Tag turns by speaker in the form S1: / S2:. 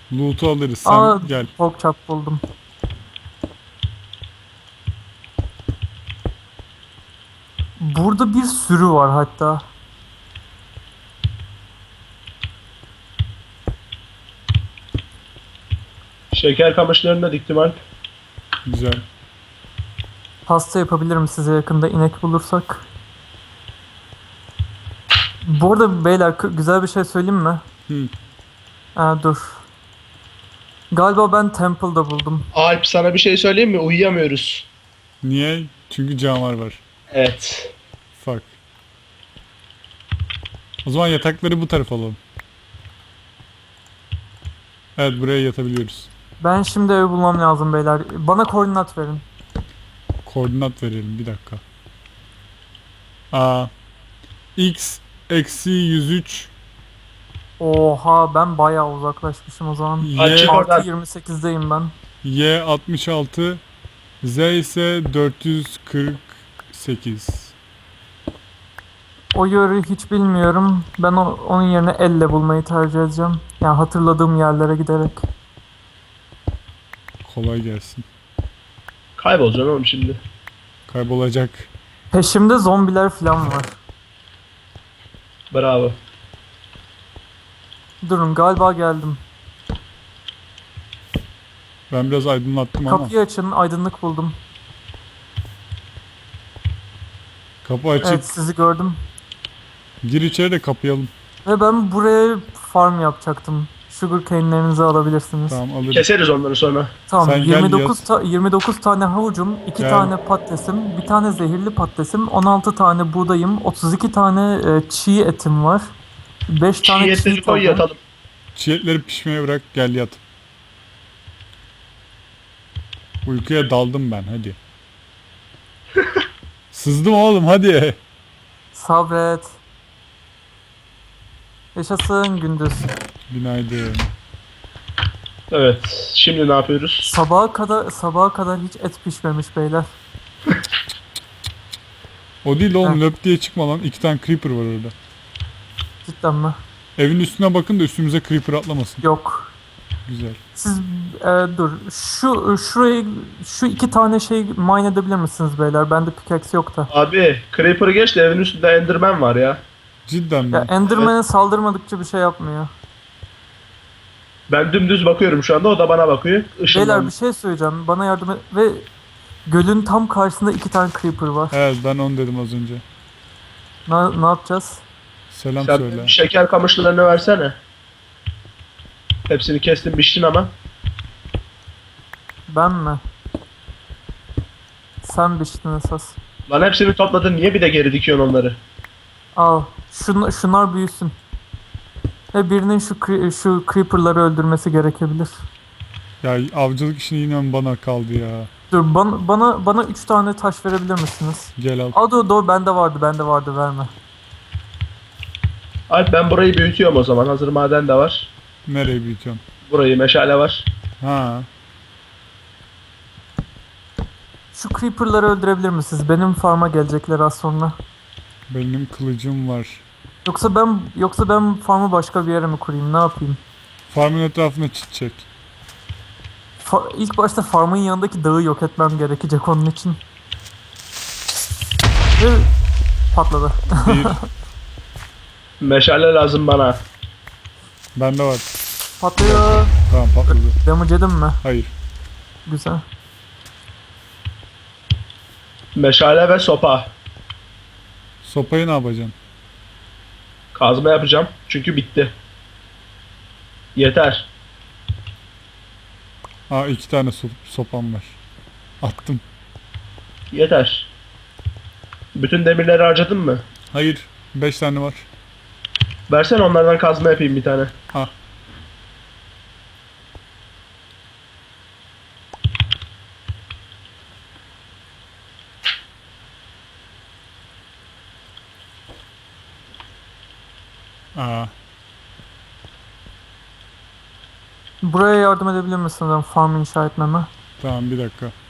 S1: Loot'u alırız. Sen
S2: Aa,
S1: gel.
S2: pokçap buldum. Burada bir sürü var hatta.
S3: Şeker kamışlarını da diktim Alp.
S1: Güzel.
S2: Pasta yapabilirim size yakında inek bulursak. Bu arada beyler güzel bir şey söyleyeyim mi?
S1: Hı.
S2: Dur. Galiba ben Temple'da buldum.
S3: Alp sana bir şey söyleyeyim mi? Uyuyamıyoruz.
S1: Niye? Çünkü canavar var.
S3: Evet.
S1: Fuck. O zaman yatakları bu tarafa alalım. Evet, buraya yatabiliyoruz.
S2: Ben şimdi ev bulmam lazım beyler. Bana koordinat verin.
S1: Koordinat verelim bir dakika. X eksi 103
S2: Oha, ben bayağı uzaklaşmışım o zaman.
S3: Alp çık
S1: Y,
S3: oradan.
S2: 6.28'deyim ben.
S1: Y 66 Z ise 448.
S2: O yörü hiç bilmiyorum. Ben onun yerine elle bulmayı tercih edeceğim. Yani hatırladığım yerlere giderek.
S1: Kolay gelsin.
S3: Kaybolacaksın oğlum şimdi.
S1: Kaybolacak.
S2: Peşimde zombiler falan var.
S3: Bravo.
S2: Durun, galiba geldim.
S1: Ben biraz aydınlattım ama.
S2: Kapıyı açın, aydınlık buldum.
S1: Kapı açık.
S2: Evet, sizi gördüm.
S1: Gir içeri de kapayalım.
S2: Ve ben buraya farm yapacaktım. Sugar cane'lerinizi alabilirsiniz.
S1: Tamam, alırım.
S3: Keseriz onları sonra.
S2: Tamam,
S1: Sen gel
S2: 29
S1: yat.
S2: 29 tane havucum, 2
S1: Gel.
S2: tane patatesim, bir tane zehirli patatesim, 16 tane buğdayım, 32 tane çiğ etim var. 5 tane çiğ
S3: Çiğ koy
S2: tavuğum.
S3: yatalım.
S1: Çiğetleri pişmeye bırak, gel yat. Uykuya daldım ben, hadi. Sızdım oğlum, hadi.
S2: Sabret. Yaşasın gündüz.
S1: Günaydın.
S3: Evet. Şimdi ne yapıyoruz?
S2: Sabaha kadar hiç et pişmemiş beyler.
S1: O değil oğlum,
S2: Heh.
S1: löp diye çıkma lan. 2 tane creeper var orada.
S2: Cidden mi?
S1: Evin üstüne bakın da üstümüze creeper atlamasın.
S2: Yok.
S1: Güzel.
S2: Siz dur. Şu 2 tane şey mine edebilir misiniz beyler? Bende pickaxe yok da.
S3: Abi Creeper'ı geç de evin üstünde Enderman var ya.
S1: Cidden mi?
S2: Ya Enderman'e saldırmadıkça bir şey yapmıyor.
S3: Ben dümdüz bakıyorum şu anda, o da bana bakıyor.
S2: Beyler,
S3: Işınlandı.
S2: bir şey söyleyeceğim. Bana yardım et. Ve gölün tam karşısında 2 tane creeper var.
S1: Evet, ben onu dedim az önce.
S2: Ne yapacağız?
S1: Selam
S3: Sen
S1: söyle.
S3: bir şeker kamışlarını versene. Hepsini kestin biçtin ama.
S2: Ben mi? Sen biçtin esas.
S3: Lan hepsini topladın, niye bir de geri dikiyorsun onları?
S2: Al. Şunlar büyüsün. Ve birinin şu creeper'ları öldürmesi gerekebilir.
S1: Ya avcılık işini yine mi bana kaldı ya?
S2: Dur, bana 3 tane taş verebilir misiniz?
S1: Gel al.
S2: Aa, dur, bende vardı, verme.
S3: Alp ben burayı büyütüyorum o zaman. Hazır maden de var.
S1: Nereye büyütüyorsun?
S3: Burayı meşale var.
S1: Ha.
S2: Şu creeper'ları öldürebilir misiniz? Benim farm'a gelecekler az sonra.
S1: Benim kılıcım var.
S2: Yoksa ben farm'ı başka bir yere mi kurayım? Ne yapayım?
S1: Farmın etrafına çit çek.
S2: İlk başta farm'ın yanındaki dağı yok etmem gerekecek onun için. Ve patladı.
S1: Bir.
S3: Meşale lazım bana.
S1: Bende var.
S2: Patlıyor.
S1: Tamam, patladı.
S2: Damage yedin mi?
S1: Hayır.
S2: Güzel.
S3: Meşale ve sopa.
S1: Sopayı ne yapacaksın?
S3: Kazma yapacağım. Çünkü bitti. Yeter.
S1: 2 tane sopam var. Attım.
S3: Yeter. Bütün demirleri harcadın mı?
S1: Hayır. 5 tane var.
S3: Versene onlardan kazma yapayım bir tane.
S1: Ah. Aa.
S2: Buraya yardım edebilir misiniz farm inşa etmeme?
S1: Tamam, bir dakika.